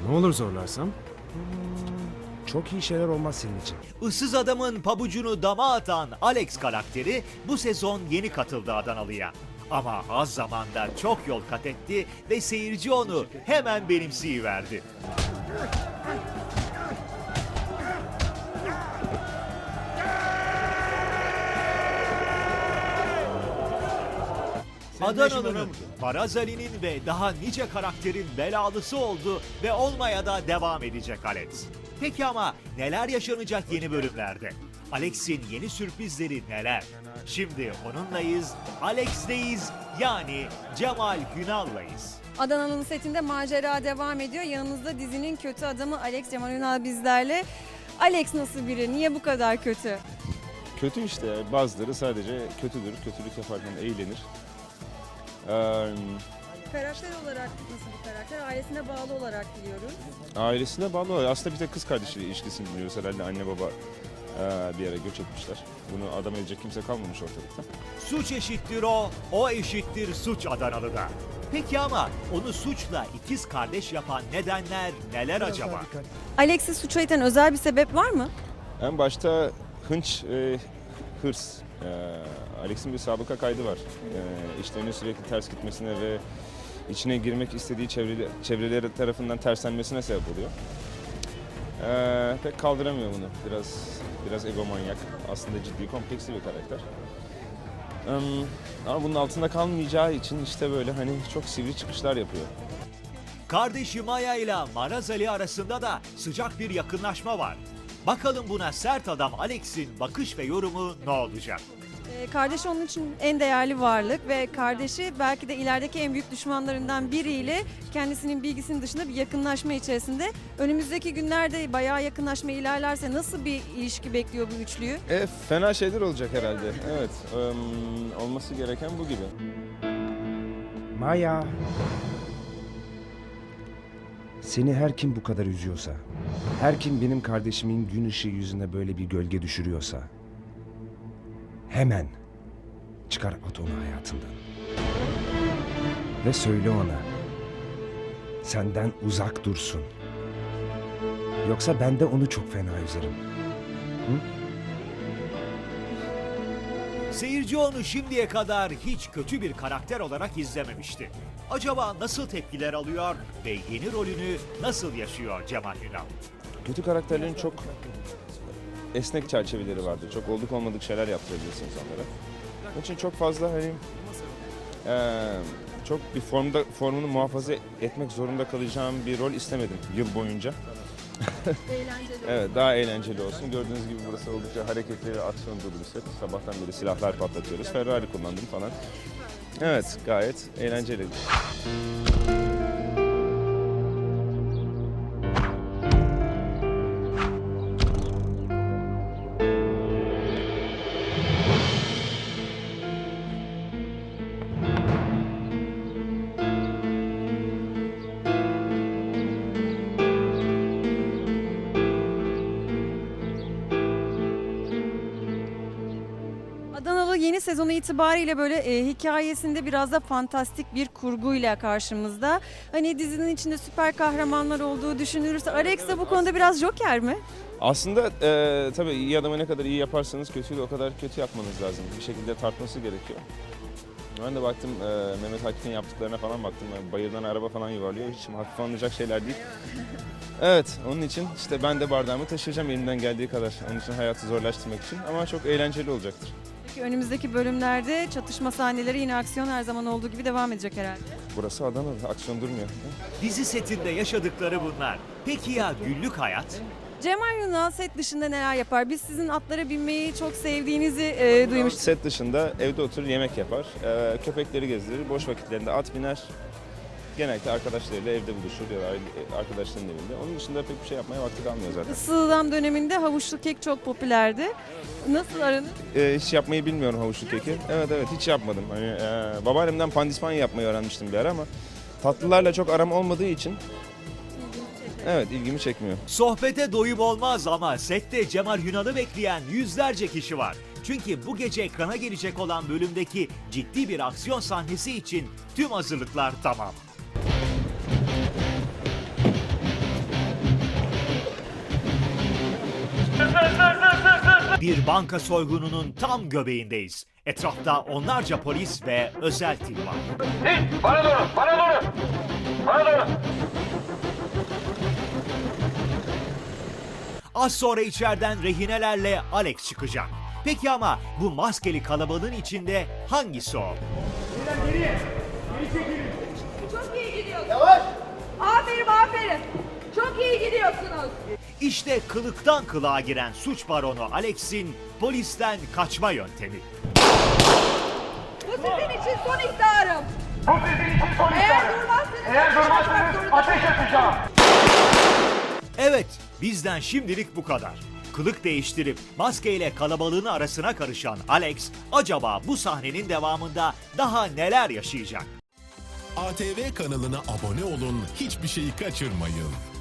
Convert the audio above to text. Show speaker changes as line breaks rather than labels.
Ne olur zorlarsam? Çok iyi şeyler olmaz senin için.
Issız adamın pabucunu dama atan Alex karakteri bu sezon yeni katıldı Adanalı'ya. Ama az zamanda çok yol kat etti ve seyirci onu hemen benimseyiverdi. Adanalı'nın, Maraz Ali'nin ve daha nice karakterin belalısı oldu ve olmaya da devam edecek Alex. Peki ama neler yaşanacak yeni bölümlerde? Alex'in yeni sürprizleri neler? Şimdi onunlayız, Alex'leyiz, yani Cemal Hünal'layız.
Adana'nın setinde macera devam ediyor. Yanımızda dizinin kötü adamı Alex Cemal Ünal bizlerle. Alex nasıl biri? Niye bu kadar kötü?
Kötü işte. Bazıları sadece kötüdür. Kötülük yaparken eğlenir.
Karakter olarak nasıl bir karakter? Ailesine bağlı olarak biliyoruz.
Ailesine bağlı. Aslında bir tek kız kardeşiyle ilişkisini biliyoruz. Herhalde anne baba bir yere göç etmişler. Bunu adam edecek kimse kalmamış ortalıkta.
Suç eşittir o eşittir suç Adanalı'da. Peki ama onu suçla ikiz kardeş yapan nedenler neler acaba?
Alex'i suça iten özel bir sebep var mı?
En başta hınç, hırs. Alex'in bir sabıka kaydı var. İşlerinin sürekli ters gitmesine ve içine girmek istediği çevreleri tarafından terslenmesine sebep oluyor. Pek kaldıramıyor bunu. Biraz egomanyak. Aslında ciddi, kompleksli bir karakter. Ama bunun altında kalmayacağı için işte böyle hani çok sivri çıkışlar yapıyor.
Kardeşi Maya ile Maraz Ali arasında da sıcak bir yakınlaşma var. Bakalım buna sert adam Alex'in bakış ve yorumu ne olacak?
Kardeşi onun için en değerli varlık ve kardeşi belki de ilerideki en büyük düşmanlarından biriyle kendisinin bilgisinin dışında bir yakınlaşma içerisinde. Önümüzdeki günlerde bayağı yakınlaşma ilerlerse nasıl bir ilişki bekliyor bu üçlüyü?
Fena şeyler olacak herhalde. Evet, olması gereken bu gibi.
Maya. Seni her kim bu kadar üzüyorsa, her kim benim kardeşimin gün ışığı yüzüne böyle bir gölge düşürüyorsa, hemen çıkar at onu hayatından. Ve söyle ona, senden uzak dursun. Yoksa ben de onu çok fena üzerim.
Seyirci onu şimdiye kadar hiç kötü bir karakter olarak izlememişti. Acaba nasıl tepkiler alıyor ve yeni rolünü nasıl yaşıyor Cemal Ünal?
Kötü karakterlerin çok esnek çerçeveleri vardır. Çok olduk olmadık şeyler yaptırabilirsiniz onlara. Onun için çok fazla hani çok bir formunu muhafaza etmek zorunda kalacağım bir rol istemedim yıl boyunca.
Eğlenceli.
Evet, daha eğlenceli olsun. Gördüğünüz gibi burası oldukça hareketli ve aksiyon dolu bir set. Sabahtan beri silahlar patlatıyoruz. Ferrari kullandım falan. Evet, gayet eğlenceli.
Adanalı yeni sezonu itibariyle böyle hikayesinde biraz da fantastik bir kurguyla karşımızda. Hani dizinin içinde süper kahramanlar olduğu düşünülürse Alex de bu konuda biraz joker mi?
Aslında tabii iyi adamı ne kadar iyi yaparsanız kötüyü de o kadar kötü yapmanız lazım. Bir şekilde tartması gerekiyor. Ben de baktım Mehmet Akif'in yaptıklarına falan baktım. Yani bayırdan araba falan yuvarlıyor. Hiç hafife alınacak şeyler değil. Evet, onun için işte ben de bardağımı taşıyacağım elimden geldiği kadar. Onun için hayatı zorlaştırmak için ama çok eğlenceli olacaktır.
Peki önümüzdeki bölümlerde çatışma sahneleri yine aksiyon her zaman olduğu gibi devam edecek herhalde.
Burası Adana, aksiyon durmuyor.
Dizi setinde yaşadıkları bunlar. Peki ya günlük hayat?
Cemal Yunal set dışında neler yapar? Biz sizin atlara binmeyi çok sevdiğinizi duymuştuk.
Set dışında evde oturur yemek yapar, köpekleri gezdirir, boş vakitlerinde at biner. Genellikle arkadaşlarıyla evde buluşur ya da arkadaşlarının evinde. Onun dışında pek bir şey yapmaya vakti kalmıyor zaten.
Isıdam döneminde havuçlu kek çok popülerdi. Nasıl aranız?
Hiç yapmayı bilmiyorum havuçlu keki. Evet hiç yapmadım. Hani babaannemden pandispanya yapmayı öğrenmiştim bir ara ama tatlılarla çok aram olmadığı için evet ilgimi çekmiyor.
Sohbete doyum olmaz ama sette Cemal Yunal'ı bekleyen yüzlerce kişi var. Çünkü bu gece ekrana gelecek olan bölümdeki ciddi bir aksiyon sahnesi için tüm hazırlıklar tamam. Bir banka soygununun tam göbeğindeyiz. Etrafta onlarca polis ve özel tim var.
Bana doğru, bana doğru. Bana doğru.
Az sonra içeriden rehinelerle Alex çıkacak. Peki ama bu maskeli kalabalığın içinde hangisi o?
Çok iyi gidiyorsunuz. Yavaş. Aferin aferin. Çok iyi gidiyorsunuz.
İşte kılıktan kılığa giren suç baronu Alex'in polisten kaçma yöntemi.
Bu sizin için son ihtarım.
Bu sizin için son
Eğer
ihtarım.
durmazsanız
Eğer durmazsanız ateş edeceğim.
Evet, bizden şimdilik bu kadar. Kılık değiştirip maskeyle kalabalığın arasına karışan Alex, acaba bu sahnenin devamında daha neler yaşayacak?
ATV kanalına abone olun, hiçbir şeyi kaçırmayın.